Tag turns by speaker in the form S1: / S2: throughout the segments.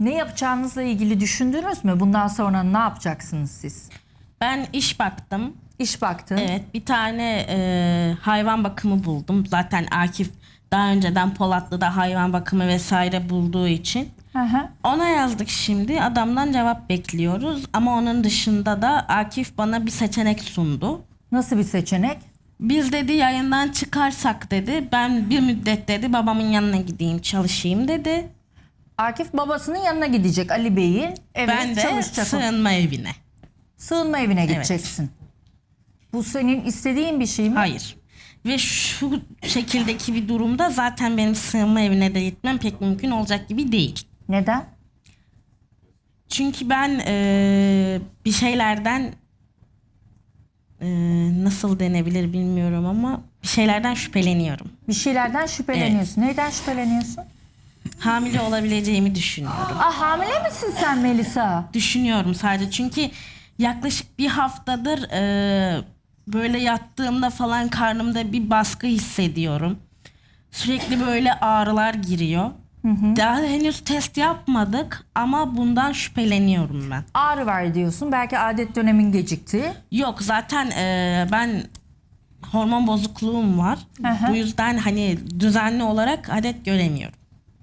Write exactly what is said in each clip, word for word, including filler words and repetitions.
S1: Ne yapacağınızla ilgili düşündünüz mü? Bundan sonra ne yapacaksınız siz?
S2: Ben iş baktım.
S1: İş baktın.
S2: Evet, bir tane e, hayvan bakımı buldum. Zaten Akif daha önceden Polatlı'da hayvan bakımı vesaire bulduğu için.
S1: Hı hı.
S2: Ona yazdık şimdi. Adamdan cevap bekliyoruz. Ama onun dışında da Akif bana bir seçenek sundu.
S1: Nasıl bir seçenek?
S2: Biz dedi yayından çıkarsak dedi. Ben bir müddet dedi babamın yanına gideyim çalışayım dedi.
S1: Akif babasının yanına gidecek, Ali Bey'in. Evet,
S2: Ben de
S1: çalışacak.
S2: sığınma evine.
S1: Sığınma evine gideceksin. Bu senin istediğin bir şey mi?
S2: Hayır. Ve şu şekildeki bir durumda zaten benim sığınma evine de gitmem pek mümkün olacak gibi değil.
S1: Neden?
S2: Çünkü ben eee, bir şeylerden eee, nasıl denebilir bilmiyorum ama bir şeylerden şüpheleniyorum.
S1: Bir şeylerden şüpheleniyorsun. Neyden şüpheleniyorsun?
S2: Hamile olabileceğimi düşünüyorum.
S1: Ah, hamile misin sen Melisa?
S2: Düşünüyorum sadece çünkü yaklaşık bir haftadır eee, böyle yattığımda falan karnımda bir baskı hissediyorum. Sürekli böyle ağrılar giriyor. Daha henüz test yapmadık ama bundan şüpheleniyorum ben.
S1: Ağrı var diyorsun. Belki adet dönemin gecikti.
S2: Yok zaten eee, ben hormon bozukluğum var.
S1: Hı hı.
S2: Bu yüzden hani düzenli olarak adet göremiyorum.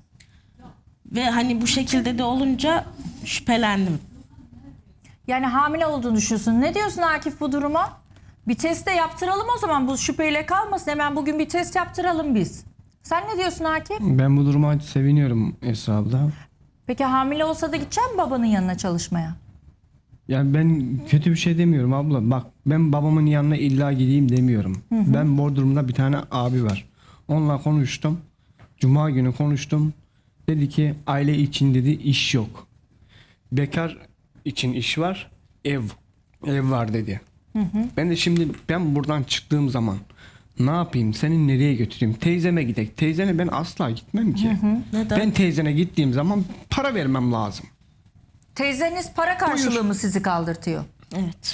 S2: Ve hani bu şekilde de olunca şüphelendim.
S1: Yani hamile olduğunu düşünüyorsun. Ne diyorsun Akif bu duruma? Bir test de yaptıralım o zaman. Bu şüpheyle kalmasın. Hemen bugün bir test yaptıralım biz. Sen ne diyorsun Akif?
S3: Ben bu duruma seviniyorum Esra abla.
S1: Peki hamile olsa da gidecek misin babanın yanına çalışmaya?
S3: Yani ben kötü bir şey demiyorum abla. Bak ben babamın yanına illa gideyim demiyorum. Ben Bodrum'da bir tane abi var. Onunla konuştum. Cuma günü konuştum. Dedi ki aile için dedi iş yok. Bekar için iş var. Ev. Ev var dedi. Ben de şimdi ben buradan çıktığım zaman ne yapayım? Seni nereye götüreyim? Teyzeme gidek. Teyzene ben asla gitmem ki.
S2: Neden?
S3: Ben teyzene gittiğim zaman para vermem lazım.
S1: Teyzeniz para karşılığı mı sizi kaldırtıyor?
S2: Evet.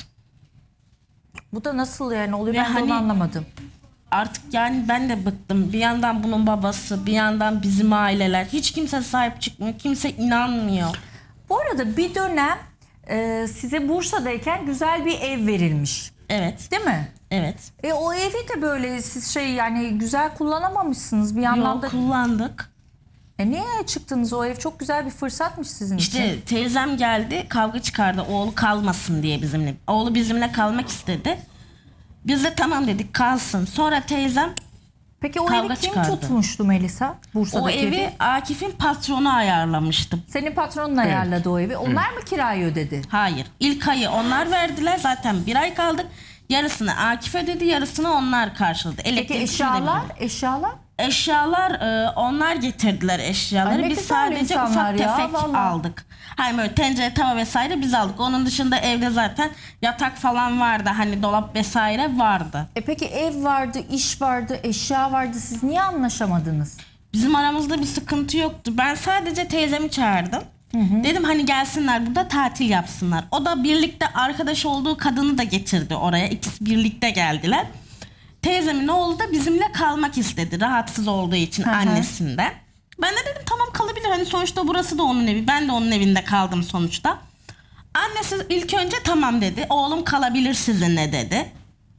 S1: Bu da nasıl yani oluyor,
S2: Ve
S1: ben de
S2: hani-
S1: onu anlamadım.
S2: Artık yani ben de bıktım. Bir yandan bunun babası, bir yandan bizim aileler. Hiç kimse sahip çıkmıyor. Kimse inanmıyor.
S1: Bu arada bir dönem e, size Bursa'dayken güzel bir ev verilmiş.
S2: Evet.
S1: Değil mi?
S2: Evet.
S1: E o evi de böyle siz şey yani güzel kullanamamışsınız bir yandan
S2: Yok
S1: da.
S2: kullandık.
S1: E niye çıktınız? O ev çok güzel bir fırsatmış sizin için.
S2: İşte teyzem geldi kavga çıkardı oğlu kalmasın diye bizimle. Oğlu bizimle kalmak istedi. Biz de tamam dedik kalsın. Sonra teyzem
S1: Peki o
S2: kavga
S1: evi kim
S2: çıkardı.
S1: tutmuştu Melisa? Bursa'daki
S2: o evi Akif'in patronu ayarlamıştı.
S1: Senin patronun ayarladı o evi. Onlar mı kirayı ödedi?
S2: Hayır. İlk ayı onlar verdiler. Zaten bir ay kaldık. Yarısını Akif ödedi, yarısını onlar karşıladı.
S1: Peki
S2: Elektrik,
S1: eşyalar?
S2: su da bizim.
S1: Eşyalar?
S2: Eşyalar e, onlar getirdiler eşyaları.
S1: Ay ne
S2: biz
S1: güzel
S2: sadece
S1: insanlar
S2: ufak
S1: ya,
S2: tefek
S1: vallahi.
S2: aldık. Hani böyle tencere, tava vesaire biz aldık. Onun dışında evde zaten yatak falan vardı. Hani dolap vesaire vardı.
S1: E peki ev vardı, iş vardı, eşya vardı. Siz niye anlaşamadınız?
S2: Bizim aramızda bir sıkıntı yoktu. Ben sadece teyzemi çağırdım. Dedim hani gelsinler burada tatil yapsınlar. O da birlikte arkadaş olduğu kadını da getirdi oraya. İkisi birlikte geldiler. Teyzemin oğlu da bizimle kalmak istedi. Rahatsız olduğu için
S1: Hı hı.
S2: annesinden. Ben de dedim tamam kalabilir. Hani sonuçta burası da onun evi. Ben de onun evinde kaldım sonuçta. Annesi ilk önce tamam dedi. Oğlum kalabilir sizinle dedi.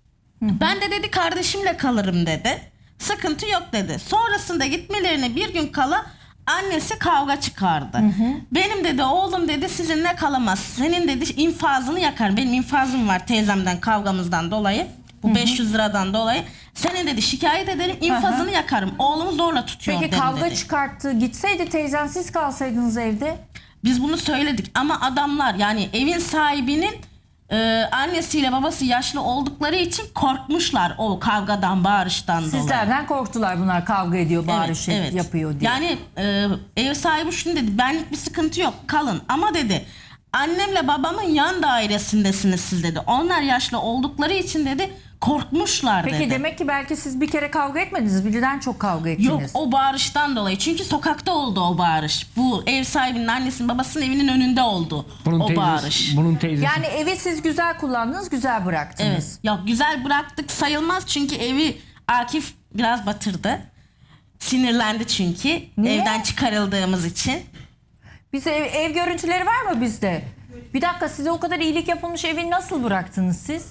S2: Ben de dedi kardeşimle kalırım dedi. Sıkıntı yok dedi. Sonrasında gitmelerine bir gün kala annesi kavga çıkardı. Benim dedi oğlum dedi sizinle kalamaz. Senin dedi infazını yakar. Benim infazım var teyzemden kavgamızdan dolayı. Bu beş yüz liradan dolayı. Senin dedi şikayet ederim infazını yakarım. Oğlumu zorla tutuyor
S1: Peki
S2: dedim
S1: kavga
S2: dedi.
S1: çıkarttı. Gitseydi teyzen siz kalsaydınız evde.
S2: Biz bunu söyledik ama adamlar yani evin sahibinin e, annesiyle babası yaşlı oldukları için korkmuşlar o kavgadan bağırıştan dolayı.
S1: Sizlerden korktular, bunlar kavga ediyor, bağırış
S2: Evet, evet.
S1: yapıyor diye.
S2: Yani e, ev sahibi şunu dedi benlik bir sıkıntı yok kalın ama dedi annemle babamın yan dairesindesiniz siz dedi. Onlar yaşlı oldukları için dedi korkmuşlar
S1: Peki
S2: dedi.
S1: demek ki belki siz bir kere kavga etmediniz. Birden çok kavga ettiniz.
S2: Yok o bağırıştan dolayı. Çünkü sokakta oldu o bağırış. Bu ev sahibinin annesinin babasının evinin önünde oldu
S3: Bunun
S2: o
S3: teyzesi,
S2: bağırış.
S3: bunun teyzesi.
S1: Yani evi siz güzel kullandınız, güzel bıraktınız.
S2: Evet. Yok güzel bıraktık sayılmaz çünkü evi Akif biraz batırdı. Sinirlendi çünkü
S1: Niye?
S2: evden çıkarıldığımız için.
S1: Bize ev, ev görüntüleri var mı bizde? Bir dakika, size o kadar iyilik yapılmış evi nasıl bıraktınız siz?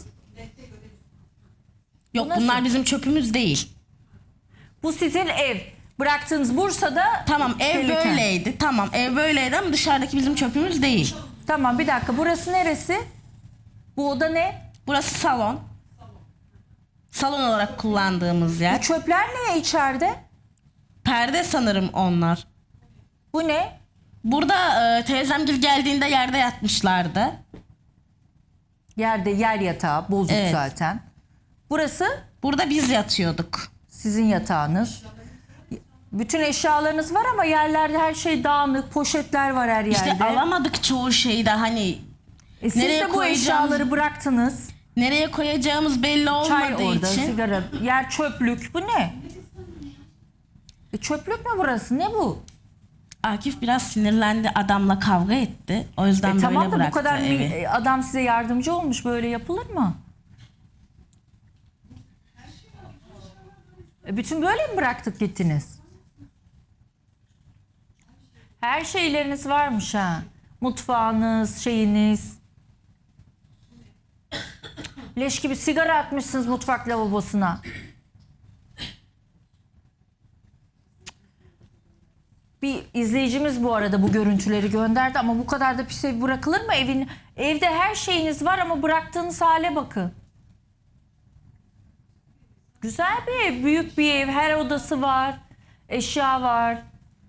S2: Yok
S1: nasıl?
S2: bunlar bizim çöpümüz değil.
S1: Bu sizin ev. Bıraktığınız Bursa'da.
S2: Tamam ev
S1: gelirken.
S2: böyleydi. Tamam ev böyleydi ama dışarıdaki bizim çöpümüz değil.
S1: Tamam, bir dakika, burası neresi? Bu oda ne?
S2: Burası salon. Salon olarak kullandığımız
S1: Bu
S2: yer.
S1: çöpler ne içeride?
S2: Perde sanırım onlar.
S1: Bu ne?
S2: Burada e, teyzemgil geldiğinde yerde yatmışlardı.
S1: Yerde yer yatağı bozuk
S2: Evet.
S1: zaten. Burası
S2: Burada biz yatıyorduk.
S1: sizin yatağınız. Bütün eşyalarınız var ama yerlerde her şey dağınık, poşetler var her yerde.
S2: İşte alamadık çoğu şeyi de hani
S1: E siz
S2: nereye
S1: de bu
S2: koyacağımız-
S1: eşyaları bıraktınız.
S2: nereye koyacağımız belli
S1: Çay
S2: olmadığı
S1: orada,
S2: için.
S1: sigara, yer çöplük. Bu ne? E çöplük mü burası? Ne bu?
S2: Akif biraz sinirlendi, adamla kavga etti. O yüzden
S1: E
S2: böyle
S1: tamam da bu
S2: bıraktı
S1: kadar mi-
S2: evi.
S1: e, adam size yardımcı olmuş, böyle yapılır mı? E bütün böyle mi bıraktık gittiniz? Her şeyleriniz varmış ha. Mutfağınız, şeyiniz. Leş gibi sigara atmışsınız mutfak lavabosuna. Bir izleyicimiz bu arada bu görüntüleri gönderdi ama bu kadar da pis ev bırakılır mı? Evin, evde her şeyiniz var ama bıraktığınız hale bakın. Güzel bir ev, büyük bir ev, her odası var, eşya var.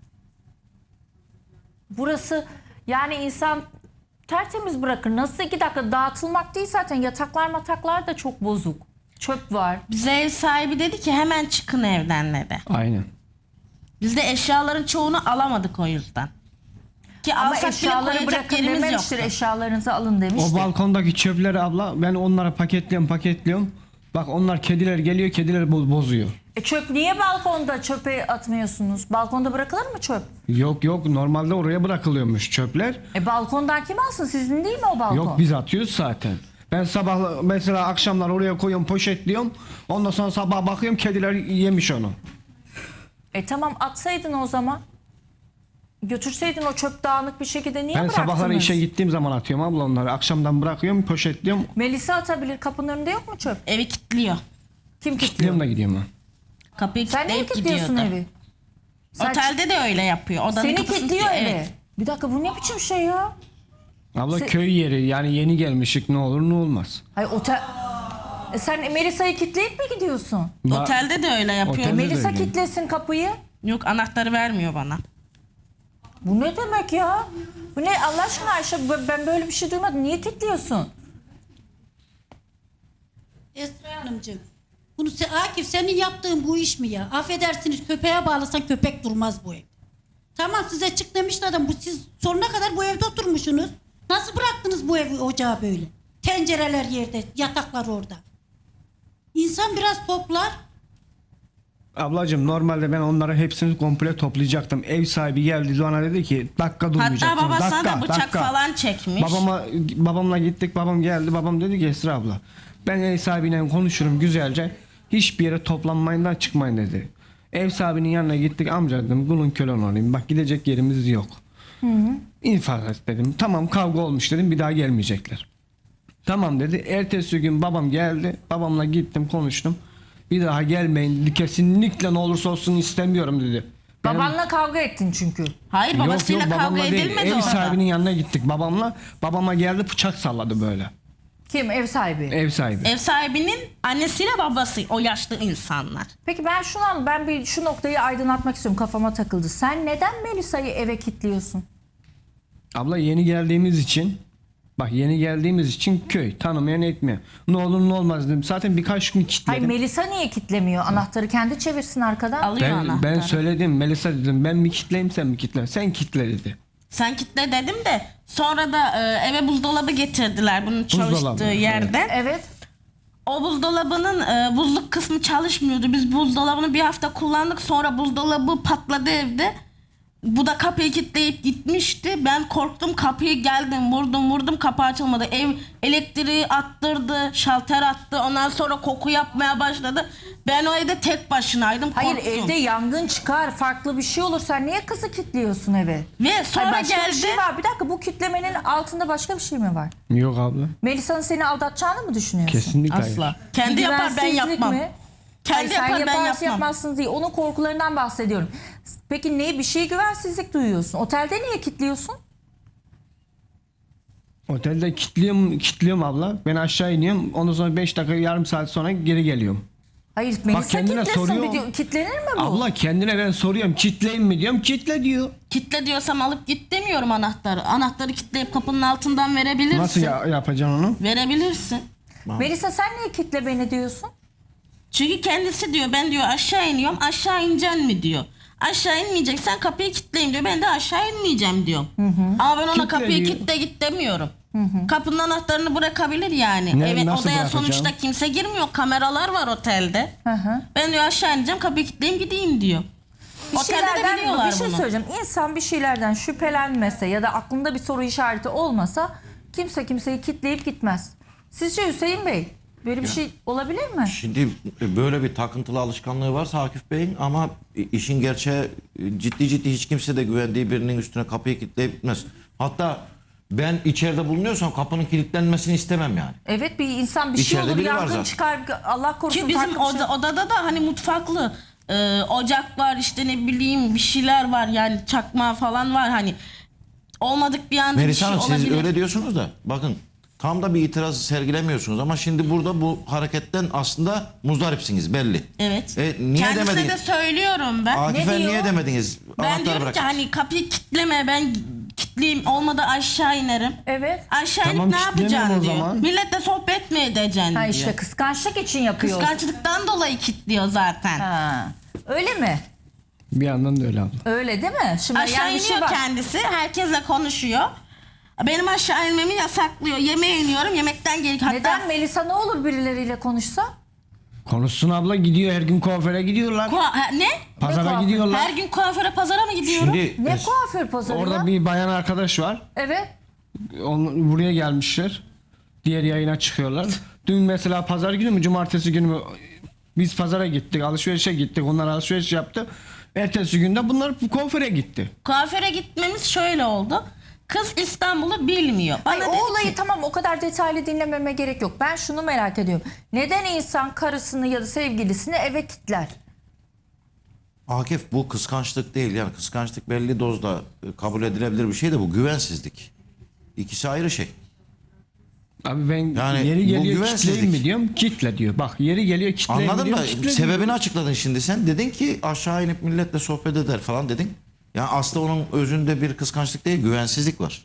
S1: Burası yani insan tertemiz bırakır. Nasıl iki dakika dağıtılmak değil zaten, yataklar mataklar da çok bozuk. Çöp var.
S2: Bize ev sahibi dedi ki hemen çıkın evden dedi.
S3: Aynen.
S2: Biz de eşyaların çoğunu alamadık o yüzden. Ki
S1: Ama
S2: alsak bile
S1: eşyaları
S2: koyacak
S1: bırakın
S2: yerimiz
S1: dememiştir,
S2: yoktu.
S1: eşyalarınızı alın demiştir.
S3: O balkondaki çöpleri abla ben onlara paketliyorum paketliyorum. Bak onlar kediler geliyor, kediler bo- bozuyor.
S1: E çöp niye balkonda çöpe atmıyorsunuz? Balkonda bırakılır mı çöp?
S3: Yok yok normalde oraya bırakılıyormuş çöpler.
S1: E balkondan kim alsın? Sizin değil mi o balkon?
S3: Yok biz atıyoruz zaten. Ben sabah mesela akşamlar oraya koyuyorum poşetliyorum. Ondan sonra sabah bakıyorum kediler yemiş onu.
S1: E tamam, atsaydın o zaman. Götürseydin o çöp dağınık bir şekilde, niye
S3: Ben
S1: bıraktınız?
S3: sabahları işe gittiğim zaman atıyorum abla onları. Akşamdan bırakıyorum poşetliyorum.
S1: Melisa atabilir, kapının önünde yok mu çöp?
S2: Evi kilitliyor.
S1: Kim kilitliyor?
S3: Kilitliyorum da gidiyorum ben.
S2: Kapıyı
S1: Sen niye
S2: kilitleyip
S1: kilitliyorsun
S2: gidiyordu.
S1: evi? Sen
S2: Otelde de öyle yapıyor. Odanın
S1: Seni
S2: kapısını
S1: kilitliyor
S2: kilitliyor,
S1: evi.
S2: evet.
S1: Bir dakika, bu ne biçim şey ya?
S3: Abla
S1: Se-
S3: köy yeri yani yeni gelmişik ne olur ne olmaz.
S1: Hayır otel... E sen Melisa'yı kilitleyip mi gidiyorsun?
S3: Ba-
S2: Otelde de öyle yapıyor.
S3: Otelde de
S1: Melisa
S3: öyle.
S1: kilitlesin kapıyı.
S2: Yok anahtarı vermiyor bana.
S1: Bu ne demek ya? Bu ne Allah aşkına Ayşe, b- ben böyle bir şey duymadım. Niye kilitliyorsun?
S4: Esra Hanımcığım, bunu se- Akif senin yaptığın bu iş mi ya? Affedersiniz, köpeğe bağlasan köpek durmaz bu ev. Tamam size çık demişti adam. Bu, siz sonuna kadar bu evde oturmuşsunuz. Nasıl bıraktınız bu evi ocağı böyle? Tencereler yerde, yataklar orada. İnsan biraz toplar.
S3: Ablacığım normalde ben onları hepsini komple toplayacaktım. Ev sahibi geldi bana dedi ki dakika durmayacaksın.
S2: Hatta babasına
S3: dakika,
S2: da bıçak
S3: dakika.
S2: falan çekmiş.
S3: Babama, babamla gittik babam geldi babam dedi ki Esra abla ben ev sahibiyle konuşurum güzelce. Hiçbir yere toplanmayından çıkmayın dedi. Ev sahibinin yanına gittik amca dedim kulun kölen olayım bak gidecek yerimiz yok. İnfaz et dedim. Tamam kavga olmuş dedim bir daha gelmeyecekler. Tamam dedi. Ertesi gün babam geldi. Babamla gittim konuştum. Bir daha gelmeyin dedi. Kesinlikle ne olursa olsun istemiyorum dedi. Benim-
S1: Babanla kavga ettin çünkü.
S2: Hayır
S3: Yok,
S2: babasıyla
S3: yok,
S2: kavga
S3: babamla değil.
S2: edilmedi
S3: Ev
S2: orada.
S3: sahibinin yanına gittik babamla. Babama geldi bıçak salladı böyle.
S1: Kim? Ev sahibi.
S3: Ev sahibi.
S2: Ev sahibinin annesiyle babası o yaşlı insanlar.
S1: Peki ben şunu an ben bir şu noktayı aydınlatmak istiyorum, kafama takıldı. Sen neden Melisa'yı eve kilitliyorsun?
S3: Abla yeni geldiğimiz için bak yeni geldiğimiz için köy tanımayan etmiyor. Ne olur ne olmaz dedim. Zaten birkaç gün
S1: Hayır,
S3: kilitledim.
S1: Melisa niye kilitlemiyor? Anahtarı kendi çevirsin arkadan.
S2: Alıyor
S3: Ben,
S2: anahtarı.
S3: ben söyledim Melisa dedim ben mi kitleyim sen mi kitle? Sen kitle dedi.
S2: Sen kitle dedim de sonra da e, eve buzdolabı getirdiler bunun çalıştığı
S3: Buzdolabı, evet.
S2: yerden.
S1: Evet.
S2: O buzdolabının e, buzluk kısmı çalışmıyordu. Biz buzdolabını bir hafta kullandık sonra buzdolabı patladı evde. Bu da kapıyı kilitleyip gitmişti. Ben korktum, kapıyı geldim vurdum vurdum, kapı açılmadı. Ev elektriği attırdı, şalter attı. Ondan sonra koku yapmaya başladı. Ben o evde tek başınaydım,
S1: Hayır,
S2: korktum.
S1: evde yangın çıkar, farklı bir şey olur. Sen niye kızı kilitliyorsun eve?
S2: Ve sonra
S1: Hayır, başka
S2: geldi.
S1: bir şey var. Bir dakika, bu kitlemenin altında başka bir şey mi var?
S3: Yok abla.
S1: Melisa'nın seni aldatacağını mı düşünüyorsun?
S3: Kesinlikle hayır.
S2: Asla. Kendi yapar, ben
S1: Güvensizlik
S2: yapmam.
S1: mi?
S2: Kendi
S1: Hayır, sen
S2: yapar, ben
S1: yaparsın
S2: yapmam.
S1: yapmazsın değil. Onun korkularından bahsediyorum. Peki ne, bir şey güvensizlik duyuyorsun? Otelde niye kilitliyorsun?
S3: Otelde kilitliyorum, kilitliyorum abla. Ben aşağı iniyorum. Ondan sonra beş dakika yarım saat sonra geri geliyorum.
S1: Hayır, Melisa
S3: kendine
S1: kilitlesin.
S3: soruyor.
S1: Bir diyor, kilitlenir mi bu?
S3: Abla kendine ben soruyorum kitleyeyim mi diyorum. Kitle diyor.
S2: Kitle diyorsam alıp git demiyorum anahtarı. Anahtarı kilitleyip kapının altından verebilirsin.
S3: Nasıl ya, yapacaksın onu?
S2: Verebilirsin.
S1: Melisa sen niye kitle beni diyorsun?
S2: Çünkü kendisi diyor, ben diyor aşağı iniyorum, aşağı ineceksin mi diyor. Aşağı inmeyeceksen kapıyı kilitleyeyim diyor. Ben de aşağı inmeyeceğim diyor. Ama ben ona
S3: Kitle
S2: kapıyı
S3: diyor.
S2: kilitle git demiyorum. Kapının anahtarını bırakabilir yani.
S3: Ne-
S2: Evet,
S3: nasıl
S2: odaya
S3: bırakacağım?
S2: sonuçta kimse girmiyor. Kameralar var otelde.
S1: Hı hı.
S2: Ben diyor aşağı ineceğim, kapıyı kilitleyeyim gideyim diyor.
S1: Bir
S2: Otelde de
S1: şeylerden,
S2: biliyorlar
S1: bir şey
S2: bunu.
S1: söyleyeceğim. İnsan bir şeylerden şüphelenmese ya da aklında bir soru işareti olmasa kimse kimseyi kitleyip gitmez. Sizce Hüseyin Bey böyle bir şey olabilir mi?
S5: Şimdi böyle bir takıntılı alışkanlığı varsa Akif Bey'in, ama işin gerçeği ciddi ciddi hiç kimse de güvendiği birinin üstüne kapıyı kilitleyip gitmez. Hatta ben içeride bulunuyorsam kapının kilitlenmesini istemem yani.
S1: Evet, bir insan bir şey
S5: İçeride
S1: olur,
S5: biri var
S1: yangın
S5: zaten.
S1: çıkar, Allah korusun.
S2: Ki bizim
S1: farklı bir şey-
S2: oda, odada da hani mutfaklı e, ocak var, işte ne bileyim bir şeyler var yani, çakma falan var, hani olmadık bir anda bir
S5: Melisa
S2: şey
S5: Hanım, siz
S2: olabilir.
S5: öyle diyorsunuz da bakın tam da bir itiraz sergilemiyorsunuz ama şimdi burada bu hareketten aslında muzdaripsiniz belli.
S2: Evet.
S5: E, niye
S2: Kendisine
S5: demediniz?
S2: de söylüyorum ben.
S5: Akif'e
S1: Ne diyor?
S5: niye demediniz?
S2: Ben
S5: Anahtarı
S2: diyorum ki
S5: bırakın.
S2: hani kapıyı kilitleme, ben kilitleyeyim, olmadı aşağı inerim.
S1: Evet.
S2: Aşağı
S3: Tamam,
S2: inip ne
S3: kilitleme
S2: yapacaksın
S3: o
S2: diyor.
S3: zaman.
S2: Milletle sohbet mi edeceksin
S1: Ha
S2: diyor.
S1: işte kıskançlık için yapıyor.
S2: Kıskançlıktan dolayı kilitliyor zaten.
S1: Ha. Öyle mi?
S3: Bir yandan da öyle abla.
S1: Öyle değil mi? Şimdi
S2: Aşağı
S1: yani bir şey
S2: iniyor
S1: var.
S2: kendisi, herkesle konuşuyor. Benim aşağı inmemi yasaklıyor. Yemeğe iniyorum, yemekten geri. Hatta
S1: Neden Melisa, ne olur birileriyle konuşsa?
S3: Konuşsun abla, gidiyor her gün kuaföre gidiyorlar.
S2: Kua- ha, ne?
S3: Pazara
S1: kuaför?
S3: gidiyorlar.
S2: Her gün kuaföre, pazara mı gidiyorum?
S5: Şimdi
S1: Ne
S5: es-
S1: kuaför pazarı
S3: Orada
S1: ya?
S3: bir bayan arkadaş var.
S1: Evet.
S3: Onun, buraya gelmişler. Diğer yayına çıkıyorlar. Dün mesela pazar günü mü cumartesi günü mü biz pazara gittik, alışverişe gittik. Onlar alışveriş yaptı. Ertesi günde bunlar kuaföre gitti.
S2: Kuaföre gitmemiz şöyle oldu. Kız İstanbul'u bilmiyor. Bana
S1: Ay,
S2: dedi
S1: o olayı
S2: ki,
S1: tamam, o kadar detaylı dinlememe gerek yok. Ben şunu merak ediyorum. Neden insan karısını ya da sevgilisini eve kilitler?
S5: Akif, bu kıskançlık değil, yani kıskançlık belli dozda e, kabul edilebilir bir şey de bu güvensizlik. İkisi ayrı şey.
S3: Abi ben
S5: Yani
S3: yeri
S5: bu
S3: geliyor
S5: güvensizlik.
S3: kitleyim mi diyorum, kitle diyor. Bak yeri geliyor kitleyim mi
S5: Anladın
S3: diyorum,
S5: mı?
S3: kitle diyor.
S5: Sebebini açıkladın şimdi sen. Dedin ki aşağı inip milletle sohbet eder falan dedin. Yani aslında onun özünde bir kıskançlık değil, güvensizlik var.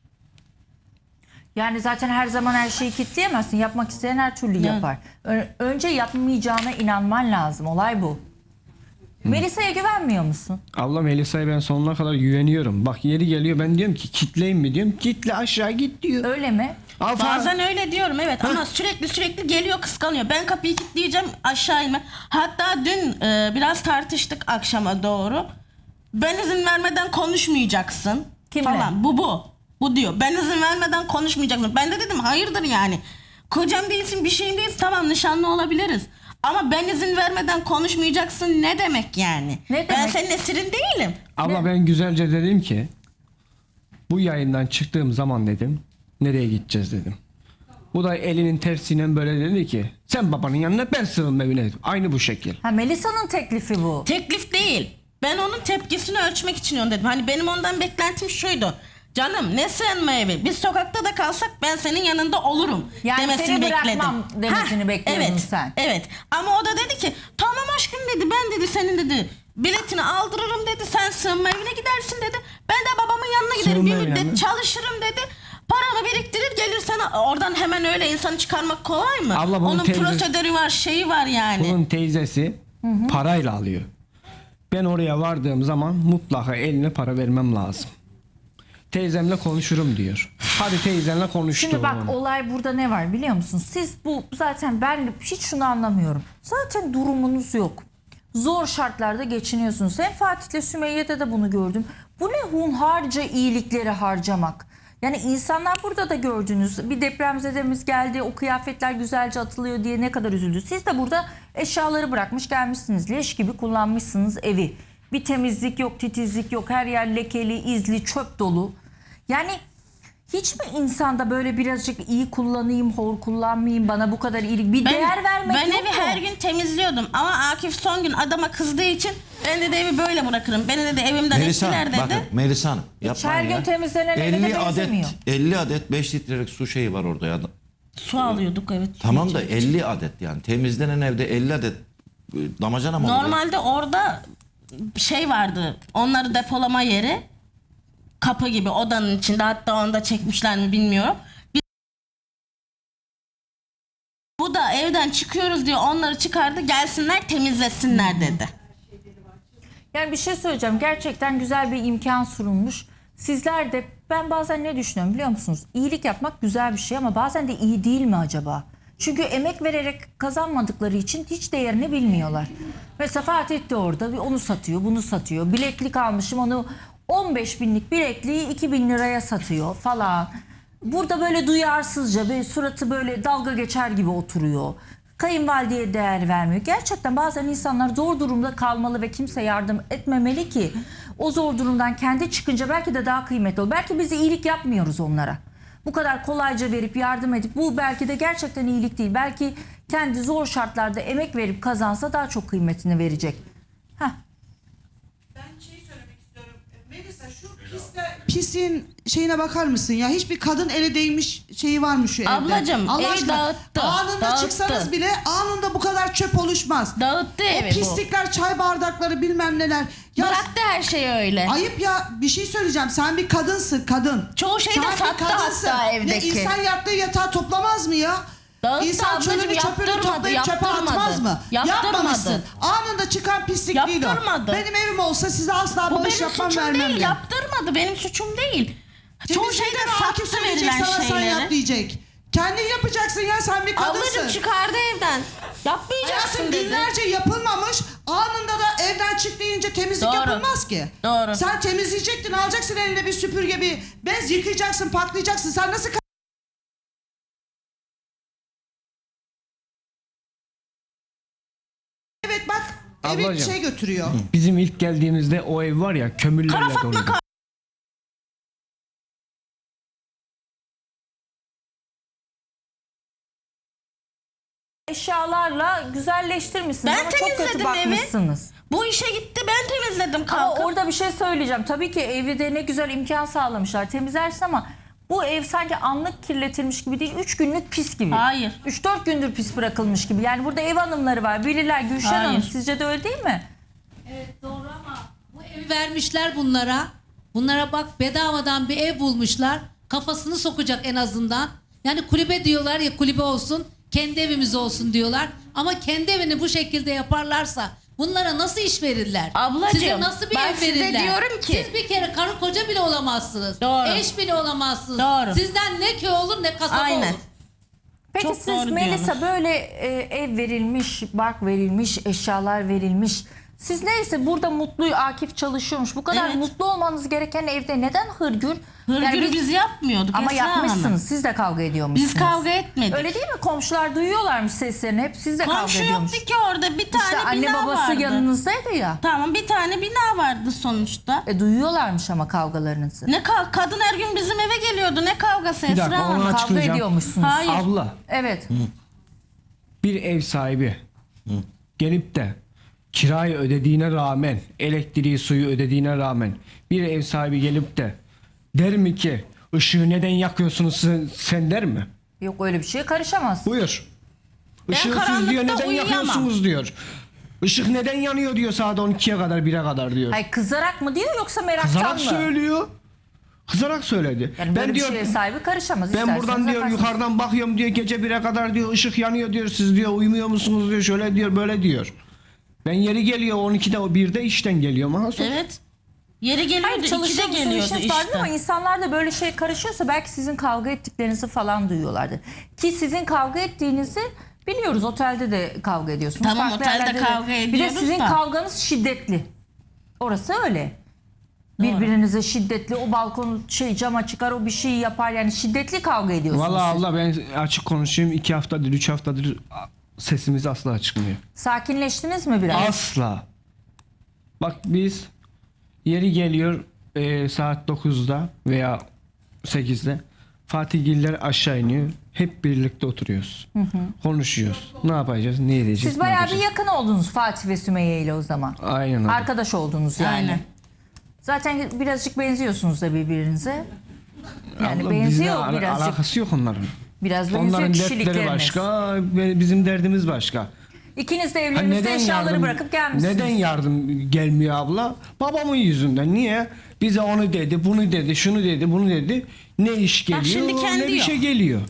S1: Yani zaten her zaman her şeyi kilitleyemezsin. Yapmak isteyen her türlü yapar. Ö- önce yapmayacağına inanman lazım. Olay bu. Melisa'ya güvenmiyor musun?
S3: Abla Melisa'ya ben sonuna kadar güveniyorum. Bak yeri geliyor ben diyorum ki kitleyim mi diyorum. Kitle aşağı git diyor.
S1: Öyle mi?
S3: Al
S2: bazen öyle diyorum evet, ama sürekli sürekli geliyor, kıskanıyor. Ben kapıyı kilitleyeceğim, aşağı inme. Hatta dün e, biraz tartıştık akşama doğru. Ben izin vermeden konuşmayacaksın
S1: Kimle?
S2: falan. Bu bu. Bu diyor. Ben izin vermeden konuşmayacaksın. Ben de dedim hayırdır yani. Kocam değilsin, bir şeyin değilsin. Tamam, nişanlı olabiliriz. Ama ben izin vermeden konuşmayacaksın ne demek yani?
S1: Ne
S2: Ben
S1: demek?
S2: senin esirin değilim.
S3: Abla ben güzelce dedim ki bu yayından çıktığım zaman dedim nereye gideceğiz dedim. Bu da elinin tersiyle böyle dedi ki sen babanın yanına, ben sığınma evine dedim. Aynı bu şekil.
S1: Ha, Melisa'nın teklifi bu.
S2: Teklif değil. Ben onun tepkisini ölçmek için onu dedim. Hani benim ondan beklentim şuydu. Canım ne sığınma evi? Biz sokakta da kalsak ben senin yanında olurum
S1: Yani
S2: demesini
S1: seni
S2: bekledim.
S1: bırakmam demesini bekliyordun
S2: evet,
S1: sen.
S2: Evet. Ama o da dedi ki tamam aşkım dedi, ben dedi senin dedi biletini aldırırım dedi, sen sığınma evine gidersin dedi. Ben de babamın yanına giderim,
S3: Sığınma
S2: bir
S3: evine
S2: müddet
S3: mi?
S2: çalışırım dedi. Paramı biriktirir gelirsen, oradan hemen öyle insanı çıkarmak kolay mı?
S3: Abla bunun
S2: Onun
S3: teyze-
S2: prosedürü var, şeyi var yani.
S3: Bunun teyzesi parayla alıyor. Ben oraya vardığım zaman mutlaka eline para vermem lazım. Teyzemle konuşurum diyor. Hadi teyzenle konuştu.
S1: Şimdi bak, olay burada ne var biliyor musun? Siz bu zaten, ben hiç şunu anlamıyorum. Zaten durumunuz yok. zor şartlarda geçiniyorsunuz. Hem Fatih'le Sümeyye'de de bunu gördüm. Bu ne hunharca iyilikleri harcamak. Yani insanlar burada da gördünüz. Bir depremzedemiz geldi, o kıyafetler güzelce atılıyor diye ne kadar üzüldü. Siz de burada eşyaları bırakmış gelmişsiniz. Leş gibi kullanmışsınız evi. Bir temizlik yok, titizlik yok. Her yer lekeli, izli, çöp dolu. Yani hiç mi insanda böyle birazcık iyi kullanayım, hor kullanmayayım, bana bu kadar iyilik, bir değer vermek
S2: ben
S1: yok
S2: evi
S1: mu?
S2: her gün temizliyordum ama Akif son gün adama kızdığı için ben de evi böyle bırakırım. Beni dedi evimden
S5: Melisa
S2: ettiler dedi.
S5: bakın Melisa Hanım yapmayın
S1: her gün
S5: ya.
S1: temizlenen eve de
S5: elli adet
S1: benzemiyor.
S5: elli adet beş litrelik su şeyi var orada ya.
S2: Su alıyorduk evet.
S5: Tamam da elli adet yani temizlenen evde elli adet e, damacana mı oluyor?
S2: Normalde orada şey vardı. Onları depolama yeri. Kapı gibi odanın içinde, hatta onu da çekmişler mi bilmiyorum. Biz- Bu da evden çıkıyoruz diye onları çıkardı, gelsinler temizlesinler dedi.
S1: Yani bir şey söyleyeceğim. Gerçekten güzel bir imkan sunulmuş. Sizler de, ben bazen ne düşünüyorum biliyor musunuz? İyilik yapmak güzel bir şey ama bazen de iyi değil mi acaba? Çünkü emek vererek kazanmadıkları için hiç değerini bilmiyorlar. Mesela Fatih de orada bir onu satıyor, bunu satıyor. Bileklik almışım, onu on beş binlik bilekliği iki bin liraya satıyor falan. Burada böyle duyarsızca, böyle suratı böyle dalga geçer gibi oturuyor. Kayınvalideye değer vermiyor. Gerçekten bazen insanlar zor durumda kalmalı ve kimse yardım etmemeli ki o zor durumdan kendi çıkınca belki de daha kıymetli olur. Belki biz iyilik yapmıyoruz onlara. Bu kadar kolayca verip yardım edip bu belki de gerçekten iyilik değil. Belki kendi zor şartlarda emek verip kazansa daha çok kıymetini verecek. Heh.
S6: Ben şey söylemek istiyorum. Melisa şu piste, pisliğin şeyine bakar mısın ya? Hiçbir kadın ele değmiş şeyi var mı şu evde?
S2: Ablacığım,
S6: Allah
S2: evi
S6: aşkına,
S2: dağıttı,
S6: Anında
S2: dağıttı.
S6: çıksanız bile anında bu kadar çöp oluşmaz.
S2: Dağıttı
S6: O
S2: evi bu.
S6: pislikler, çay bardakları bilmem neler. Ya
S2: Bıraktı her şeyi öyle.
S6: ayıp ya, bir şey söyleyeceğim. Sen bir kadınsın, kadın.
S2: Çoğu şeyi de
S6: Sen bir
S2: sattı
S6: kadınsın.
S2: hatta evdeki.
S6: Ne, insan yattığı yatağı toplamaz mı ya?
S2: Dağıttı
S6: İnsan
S2: ablacığım,
S6: çölünü çöpünü
S2: yaptırmadı,
S6: toplayıp çöpe
S2: yaptırmadı.
S6: atmaz mı?
S2: Yaptırmadı.
S6: Yapmamışsın. Anında çıkan pislik değil o.
S2: Yaptırmadı.
S6: Benim evim olsa size asla
S2: Bu
S6: bağış
S2: benim
S6: yapmam,
S2: suçum
S6: vermem
S2: değil,
S6: de.
S2: yaptırmadı. Benim suçum değil. Çoğu
S6: Temizliği
S2: şeyde
S6: de Akif
S2: sattı
S6: söyleyecek,
S2: verilen
S6: sana sen yap
S2: şeyleri.
S6: diyecek. Kendin yapacaksın ya, sen bir kadınsın.
S2: Ablacığım çıkardı evden. Yapmayacaksın
S6: Hayatım
S2: dedi.
S6: günlerce yapılmamış, anında da evden çık deyince temizlik
S2: Doğru.
S6: yapılmaz ki.
S2: Doğru.
S6: Sen temizleyecektin, alacaksın eline bir süpürge, bir bez, yıkayacaksın, patlayacaksın. Sen nasıl ka- Evet bak, evin
S3: Ablacığım.
S6: şey götürüyor.
S3: Bizim ilk geldiğimizde o ev var ya, kömürlerle
S2: Kara Fatma
S3: doluydu.
S2: kal-
S1: Eşyalarla güzelleştirmişsiniz
S2: Ben
S1: ama çok kötü
S2: temizledim evi.
S1: bakmışsınız.
S2: Bu işe gitti, ben temizledim
S1: Ama
S2: kalkıp.
S1: orada bir şey söyleyeceğim. Tabii ki evde ne güzel imkan sağlamışlar. Temizlersin ama bu ev sanki anlık kirletilmiş gibi değil. Üç günlük pis gibi.
S2: Hayır.
S1: Üç dört gündür pis bırakılmış gibi. Yani burada ev hanımları var. Bilirler. Gülşen
S2: Hayır.
S1: Hanım, sizce de öyle değil mi?
S7: Evet doğru ama bu evi vermişler bunlara. Bunlara bak, bedavadan bir ev bulmuşlar. Kafasını sokacak en azından. Yani kulübe diyorlar ya, kulübe olsun, kendi evimiz olsun diyorlar. Ama kendi evini bu şekilde yaparlarsa bunlara nasıl iş verirler?
S2: Ablacığım,
S7: Size nasıl bir
S2: ben
S7: ev
S2: size
S7: verirler?
S2: diyorum ki-
S7: Siz bir kere karı koca bile olamazsınız.
S2: Doğru.
S7: Eş bile olamazsınız.
S2: Doğru.
S7: Sizden ne köy olur ne kasaba
S2: Aynen.
S7: olur.
S1: Peki
S2: Çok
S1: siz
S2: doğru
S1: Melisa
S2: diyorsunuz.
S1: böyle e, ev verilmiş, bark verilmiş, eşyalar verilmiş. Siz neyse burada mutlu Akif çalışıyormuş. Bu kadar
S2: Evet.
S1: mutlu olmanız gereken evde neden hırgür?
S2: Hırgür
S1: Yani biz-
S2: biz yapmıyorduk
S1: Ama
S2: Esra Hanım.
S1: yapmışsınız. Siz de kavga ediyormuşsunuz.
S2: Biz kavga etmedik.
S1: Öyle değil mi? Komşular duyuyorlarmış seslerini. Hep siz de kavga
S2: Komşu
S1: ediyormuş.
S2: yoktu ki orada, bir tane
S1: İşte anne
S2: bina
S1: babası
S2: vardı.
S1: yanınızdaydı ya.
S2: Tamam, bir tane bina vardı sonuçta.
S1: E duyuyorlarmış ama kavgalarınızı.
S2: Ne ka- kadın her gün bizim eve geliyordu. Ne kavgası
S3: Bir dakika,
S2: Esra
S3: onu
S2: Hanım?
S3: aç-
S1: Kavga
S3: açıklayacağım.
S1: ediyormuşsunuz.
S2: Hayır.
S3: Abla,
S1: Evet.
S3: bir ev sahibi gelip de kirayı ödediğine rağmen, elektriği, suyu ödediğine rağmen bir ev sahibi gelip de der mi ki ışığı neden yakıyorsunuz sen, sen der mi?
S1: Yok öyle bir şeye karışamaz.
S3: Buyur. Işığı siz
S2: karanlıkta
S3: diyor neden
S2: uyuyamam.
S3: yakıyorsunuz diyor. Işık neden yanıyor diyor saat on ikiye kadar, bire kadar diyor.
S1: Hayır, kızarak mı diyor yoksa meraktan
S3: Kızarak
S1: mı?
S3: söylüyor. Kızarak söyledi.
S1: Yani böyle
S3: ben
S1: bir
S3: diyor
S1: şeye sahibi karışamaz.
S3: ben
S1: İsterseniz
S3: buradan diyor
S1: yaparsınız.
S3: yukarıdan bakıyorum diyor, gece bire kadar diyor ışık yanıyor diyor, siz diyor uyumuyor musunuz diyor, şöyle diyor böyle diyor. Ben yeri geliyor on ikide o birde işten geliyorum. Aha, sonra-
S2: Evet. Yeri geliyordu,
S1: Hayır,
S2: ikide
S1: çalışıyorsunuz,
S2: geliyordu
S1: işiniz vardı
S2: işte.
S1: ama insanlar da böyle şey karışıyorsa belki sizin kavga ettiklerinizi falan duyuyorlardır. Ki sizin kavga ettiğinizi Biliyoruz otelde de kavga ediyorsunuz.
S2: Tamam,
S1: Farklı
S2: otelde
S1: yerlerde de.
S2: kavga
S1: Bir de
S2: ediyoruz
S1: sizin
S2: da.
S1: kavganız şiddetli. Orası öyle. Birbirinize şiddetli, o balkon şey cama çıkar, o bir şey yapar, yani şiddetli kavga ediyorsunuz.
S3: Vallahi
S1: siz.
S3: Allah, ben açık konuşayım, iki haftadır üç haftadır sesimiz asla çıkmıyor.
S1: Sakinleştiniz mi biraz?
S3: Asla. Bak biz yeri geliyor e, saat dokuzda veya sekizde Fatihgiller aşağı iniyor. Hep birlikte oturuyoruz. Konuşuyoruz. Ne yapacağız? Ne edeceğiz?
S1: Siz
S3: ne
S1: bayağı bir
S3: yapacağız?
S1: yakın oldunuz Fatih ve Sümeyye ile o zaman.
S3: Aynen öyle.
S1: Arkadaş oldunuz yani.
S2: Aynen.
S1: Zaten birazcık benziyorsunuz da birbirinize. Yani
S3: Abla,
S1: benziyor
S3: bizle ala-
S1: birazcık.
S3: alakası yok onların.
S1: Biraz benziyor
S3: Onların dertleri
S1: kişilikleriniz.
S3: başka, ve bizim derdimiz başka.
S1: İkiniz de
S3: Ha,
S1: evlerinizde eşyaları bırakıp gelmişsiniz.
S3: Neden yardım gelmiyor abla? Babamın yüzünden. Niye? Bize onu dedi, bunu dedi, şunu dedi, bunu dedi. Ne iş geliyor,
S2: şimdi kendi
S3: ne bir
S2: yok.
S3: şey geliyor.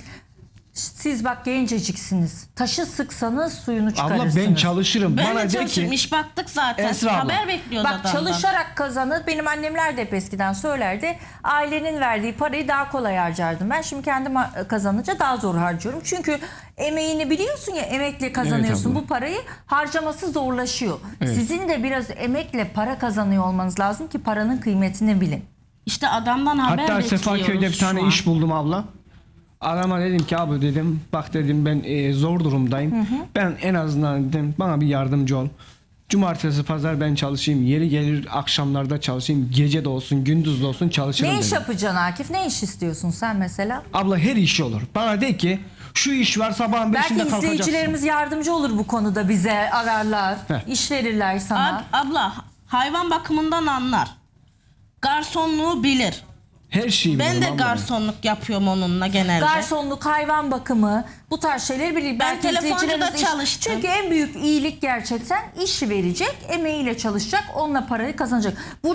S1: Siz bak genceciksiniz. Taşı sıksanız suyunu
S3: Abla
S1: çıkarırsınız.
S3: ben çalışırım.
S2: Ben
S3: Bana
S2: de
S3: de
S2: çalışırım.
S3: ki
S2: İş baktık zaten.
S3: Esra abla.
S2: Haber bekliyoruz
S1: Bak
S2: adamdan.
S1: çalışarak kazanır. Benim annemler de hep eskiden söylerdi. Ailenin verdiği parayı daha kolay harcardım. Ben şimdi kendim ha- kazanınca daha zor harcıyorum. Çünkü emeğini biliyorsun ya, emekle kazanıyorsun.
S3: abla.
S1: Bu parayı harcaması zorlaşıyor.
S3: Evet.
S1: Sizin de biraz emekle para kazanıyor olmanız lazım ki paranın kıymetini bilin.
S2: İşte adamdan haber
S3: hatta
S2: bekliyoruz
S3: Sefaköy'de bir tane
S2: şu an.
S3: iş buldum abla. Adama dedim ki abi dedim bak dedim ben e, zor durumdayım. Ben en azından dedim bana bir yardımcı ol. Cumartesi pazar ben çalışayım. Yeri gelir akşamlarda çalışayım. Gece de olsun gündüz de olsun çalışırım
S1: Ne iş
S3: dedim.
S1: yapacaksın Akif? Ne iş istiyorsun sen mesela?
S3: Abla her iş olur. Bana de ki şu iş var sabahın
S1: Belki
S3: beşinde kalkacaksın.
S1: izleyicilerimiz yardımcı olur bu konuda, bize ararlar.
S3: Heh.
S1: İş verirler sana.
S2: Ab- abla hayvan bakımından anlar. Garsonluğu bilir.
S3: Her şeyi
S2: Ben
S3: bilirim
S2: de
S3: abla.
S2: garsonluk yapıyorum onunla genelde.
S1: Garsonluk, hayvan bakımı, bu tarz şeyleri bilir. Belki
S2: telefoncuda
S1: izleyicilerimiz iş-
S2: çalıştım.
S1: Çünkü en büyük iyilik gerçekten iş verecek, emeğiyle çalışacak, onunla parayı kazanacak. Bu